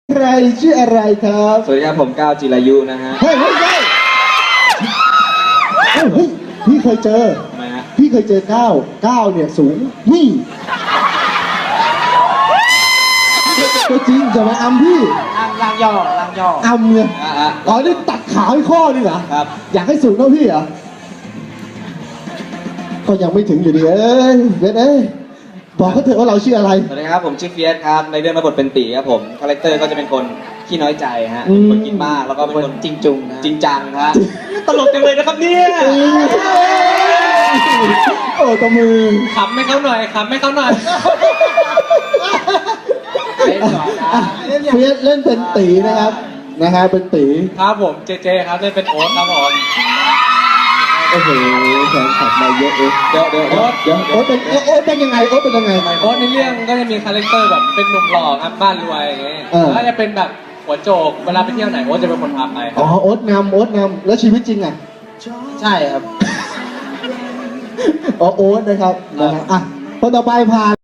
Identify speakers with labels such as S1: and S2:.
S1: ใครชื่ออะไรครับ
S2: สวัสดีครับผมก้าวจิรายุนะฮะ
S1: เฮ้ยพี่เคยเจอ
S2: ทำไมฮะ
S1: พี่เคยเจอก้าวเนี่ยสูงนี่ตัวจริงจะมาอำพี่
S2: ล่างย่อ
S1: อำเนี่ย
S2: อ่ะ
S1: อ๋อนี่ตัดขาให้ข้อนี่เหรอ
S2: ครับ
S1: อยากให้สูงเท่าพี่เหรอก็ยังไม่ถึงอยู่ดีเบสบอกเขาเถอะว่าเราชื่ออะไร
S2: สวัสดีครับผมชื่อเฟียสครับในเรื่องมาบทเป็นตีครับผมคาแรคเตอร์ก็จะเป็นคนขี้น้อยใจฮะ
S1: อืม
S2: เป็นคนกินมากแล้วก็เป็นคนจริงจุงจริงจังฮะตลกจังเลยนะครับเนี่ย
S1: โอ้ตบมือ
S2: ขำให้เขาหน่อยขำให้เขาหน่อย
S1: เฟียสเล่นเป็นตีนะครับเป็นตี
S2: ครับผมเจครับได้เป็นโอ๊ตครับผม
S1: โอ้โหแฟนคลับมาเยอะเอง
S2: เดี๋ยว
S1: โอ๊ตเป็นยังไงโอ๊ตเป็นยังไง
S2: โอ๊ตในเรื่องก็จะมีคาแรคเตอร์แบบเป็นหนุ่มหล่อครับบ้านรวยอย่างเงี้ย
S1: เออ
S2: แล้วจะเป็นแบบหัวโจกเวลาไปเที่ยวไหนโอ๊ตจะเป็นคนพาไปค
S1: อ๋
S2: รั
S1: อบ โอ๊ตนำแล้วชีวิตจริงอ่ะ
S2: ใช่ครับ
S1: อ๋อโอ๊ตนะครับอ่ะคนต่อไปผ่าน